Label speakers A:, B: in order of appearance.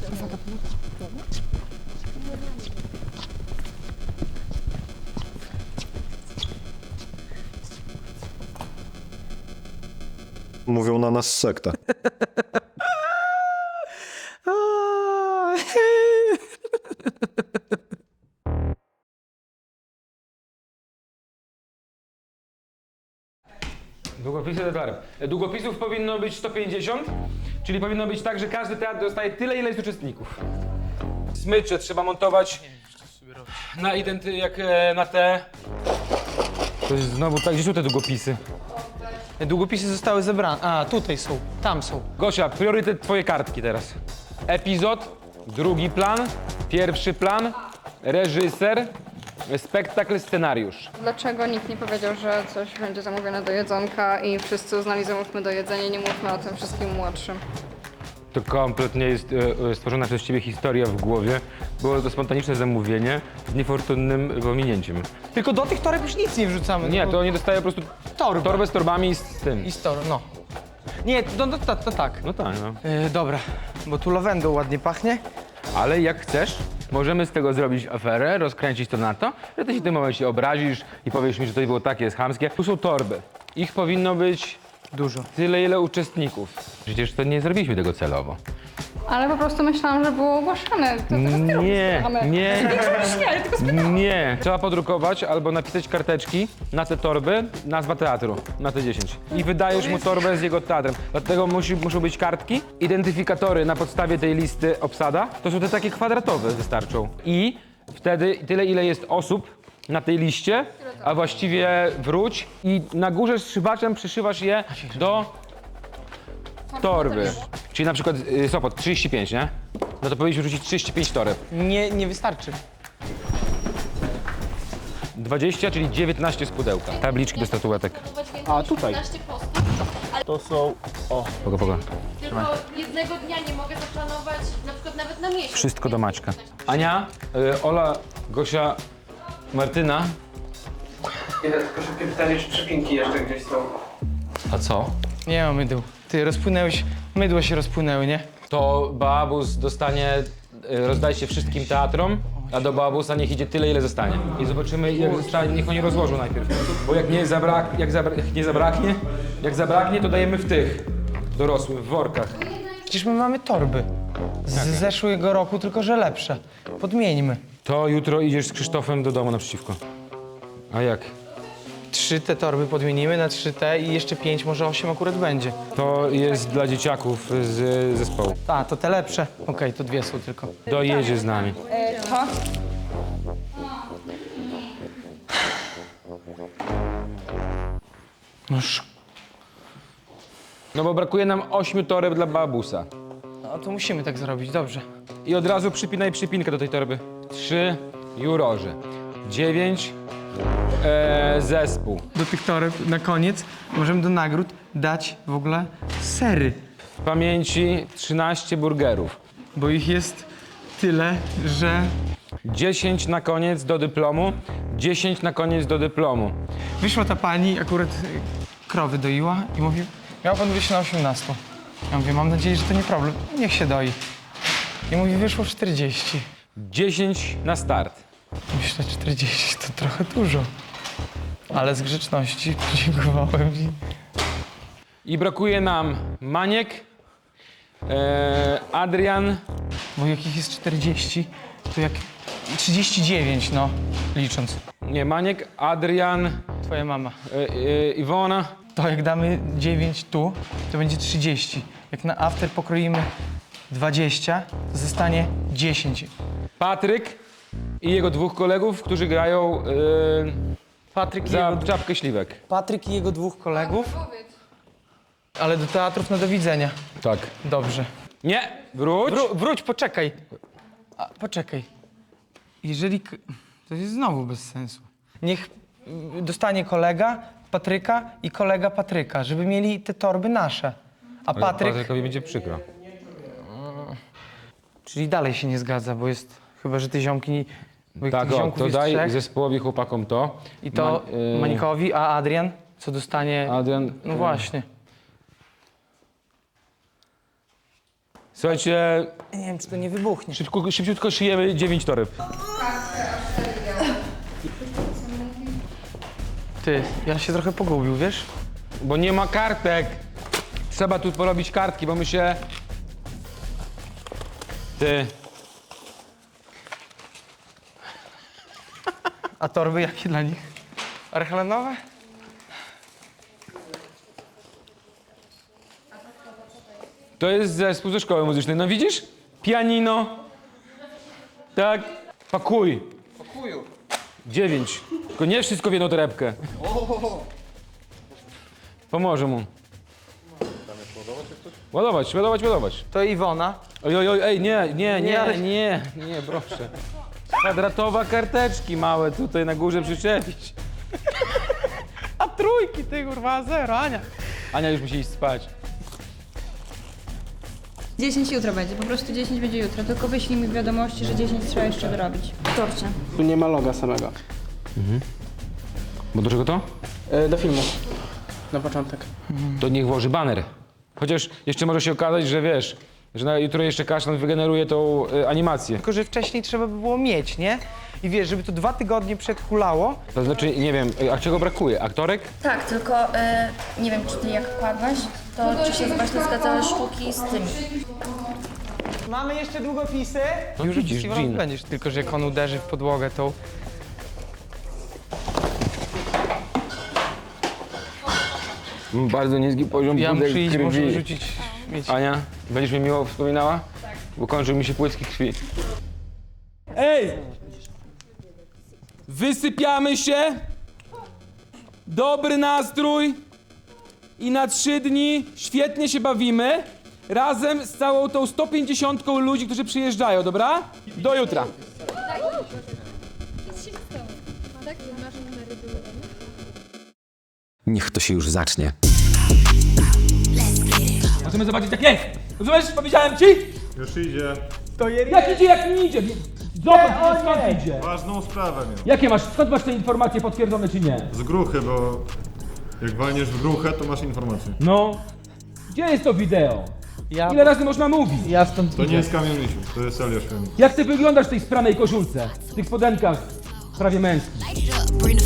A: Mówią na nas sekta.
B: Długopisy teatrem. Długopisów powinno być 150, czyli powinno być tak, że każdy teatr dostaje tyle, ile jest uczestników. Smycze trzeba montować na na te... To jest znowu tak, gdzie są te długopisy?
C: Długopisy zostały zebrane. A, tutaj są, tam są.
B: Gosia, priorytet twoje kartki teraz. Epizod, drugi plan, pierwszy plan, reżyser, spektakl, scenariusz.
D: Dlaczego nikt nie powiedział, że coś będzie zamówione do jedzonka i wszyscy uznali, zamówmy do jedzenia, nie mówmy o tym wszystkim młodszym?
B: To kompletnie jest stworzona przez ciebie historia w głowie. Było to spontaniczne zamówienie z niefortunnym pominięciem.
C: Tylko do tych toreb już nic nie wrzucamy.
B: Nie,
C: tylko
B: to oni dostają po prostu torbę z torbami i z tym.
C: I z torb, no. Nie, to tak.
B: No tak, no.
C: Dobra, bo tu lawendą ładnie pachnie.
B: Ale jak chcesz, możemy z tego zrobić aferę, rozkręcić to na to, że ty się w tym momencie obrazisz i powiesz mi, że to było takie, jest chamskie. Tu są torby. Ich powinno być
C: Dużo.
B: tyle, ile uczestników. Przecież to nie zrobiliśmy tego celowo.
D: Ale po prostu myślałam, że było ogłaszane.
B: Nie. Trzeba podrukować albo napisać karteczki na te torby, nazwa teatru, na te 10. I wydajesz mu torbę z jego teatrem. Dlatego muszą być kartki, identyfikatory na podstawie tej listy obsada. To są te takie kwadratowe, wystarczą. I wtedy tyle, ile jest osób na tej liście, a właściwie wróć i na górze strzywaczem przyszywasz je do torby. Czyli na przykład Sopot 35, nie? No to powinniśmy rzucić 35 toreb.
C: Nie wystarczy.
B: 20, czyli 19 z pudełka. Tabliczki do statuetek.
E: A tutaj. To są...
B: Pogo.
F: Tylko jednego dnia nie mogę zaplanować, na przykład nawet na miesiąc.
B: Wszystko do Maćka. Ania, Ola, Gosia, Martyna.
G: Tylko szybkie pytanie, czy przypinki jeszcze gdzieś są?
B: A co?
C: Nie ma mydł. Ty rozpłynęłeś, mydło się rozpłynęły, nie?
B: To Babus dostanie, rozdajcie wszystkim teatrom, a do Babusa niech idzie tyle, ile zostanie. I zobaczymy, jak zostanie, niech oni rozłożą najpierw. Bo jak nie zabraknie, to dajemy w tych dorosłych, w workach.
C: Przecież my mamy torby. Z zeszłego roku, tylko że lepsze. Podmieńmy.
B: To jutro idziesz z Krzysztofem do domu naprzeciwko. A jak?
C: 3 te torby podmienimy na 3 te i jeszcze 5, może 8 akurat będzie.
B: To jest dla dzieciaków z zespołu.
C: A, to te lepsze. Okej, to 2 są tylko.
B: Dojedzie z nami.
D: To?
C: Noż.
B: No bo brakuje nam 8 toreb dla Babusa.
C: No to musimy tak zrobić, dobrze.
B: I od razu przypinaj przypinkę do tej torby. 3 jurorzy. 9 zespół.
C: Do tych toreb na koniec możemy do nagród dać w ogóle sery,
B: W pamięci 13 burgerów.
C: bo ich jest tyle, że
B: 10 na koniec do dyplomu. 10 na koniec do dyplomu.
C: wyszła ta pani, akurat krowy doiła i mówi, miał pan wyjść na 18. Ja mówię, mam nadzieję, że to nie problem, niech się doi. I mówi, wyszło 40.
B: 10 na start.
C: Myślę, 40 to trochę dużo. Ale z grzeczności podziękowałem i...
B: I brakuje nam Maniek, Adrian,
C: Bo jak ich jest 40, to jak 39, no, licząc.
B: nie, Maniek, Adrian,
C: Twoja mama.
B: Iwona.
C: To jak damy 9 tu, to będzie 30. Jak na after pokroimy 20, to zostanie 10.
B: Patryk i jego 2 kolegów, którzy grają
C: Patryk i,
B: za
C: jego,
B: czapkę śliwek.
C: Patryk i jego 2 kolegów. Ale do teatrów na do widzenia.
B: Tak.
C: Dobrze.
B: Nie, wróć.
C: Wróć, poczekaj. Poczekaj. Jeżeli... To jest znowu bez sensu. Niech dostanie kolega Patryka i kolega Patryka, żeby mieli te torby nasze. A
B: Ale
C: Patryk...
B: Patrykowi będzie przykro.
C: Czyli dalej się nie zgadza, bo jest... Chyba, że te ziomki... Bo jak
B: Tak,
C: tych
B: o,
C: ziomków
B: to
C: jest
B: daj
C: 3,
B: zespołowi chłopakom to.
C: i to Manikowi, a Adrian co dostanie...
B: Adrian.
C: No właśnie.
B: Słuchajcie,
C: Nie wiem, czy to nie wybuchnie.
B: szybciutko szyjemy 9 toreb.
C: Ty, ja się trochę pogubił, wiesz?
B: Bo nie ma kartek. Trzeba tu porobić kartki, bo my się... Ty.
C: A torby jakie dla nich? Archelenowe?
B: To jest zespół ze szkoły muzycznej. No widzisz? Pianino. Tak. Pakuj. Pakuju. 9. Tylko nie wszystko w jedną torebkę. Pomoże mu. Ładować.
C: To Iwona.
B: Oj, ej, nie, proszę. Kwadratowa karteczki małe tutaj na górze przyczepić.
C: A trójki, ty kurwa, zero, Ania.
B: Ania już musi iść spać.
D: 10 jutro będzie, po prostu 10 będzie jutro, tylko wyślij mi wiadomości, że 10 trzeba jeszcze dorobić. W torcie.
G: Tu nie ma loga samego.
B: Bo do czego to?
G: Do filmu. Na początek.
B: To niech włoży baner. Chociaż jeszcze może się okazać, że wiesz, że na jutro jeszcze Kasztan wygeneruje tą animację.
C: Tylko, że wcześniej trzeba by było mieć, nie? I wiesz, żeby to 2 tygodnie przed hulało.
B: To znaczy, nie wiem, a czego brakuje? Aktorek?
F: Tak, tylko nie wiem, czy ty jak kładłaś, to czy się właśnie zgadzały sztuki z tymi.
C: Mamy jeszcze długopisy.
B: No
C: Już
B: widzisz,
C: festiwalu
B: Jean.
C: będziesz, tylko że jak on uderzy w podłogę, to...
B: Bardzo niski poziom
C: Ja
B: płytek
C: muszę iść,
B: krwi.
C: muszę rzucić śmieci.
B: Ania, będziesz mnie miło wspominała? Tak. Bo kończył mi się płytki krwi. Ej! Wysypiamy się. Dobry nastrój. I na 3 dni świetnie się bawimy. Razem z całą tą 150 ludzi, którzy przyjeżdżają, dobra? Do jutra.
H: Niech to się już zacznie.
B: Możemy zobaczyć, jak jest. Rozumiesz? Powiedziałem ci?
I: Już idzie.
B: Jak idzie, jak nie idzie. Zobacz, skąd idzie.
I: Ważną sprawę miał.
B: Jakie masz, skąd masz te informacje potwierdzone czy nie?
I: Z gruchy, bo jak walniesz w gruchę, to masz informację.
B: No. Gdzie jest to wideo?
C: Ja,
B: Ile razy można mówić?
C: ja stąd
I: To nie jest Kamil Misiu, to jest Eliasz Kamil.
B: Jak ty wyglądasz w tej spranej koszulce? W tych spodenkach prawie męskich?
J: Bring the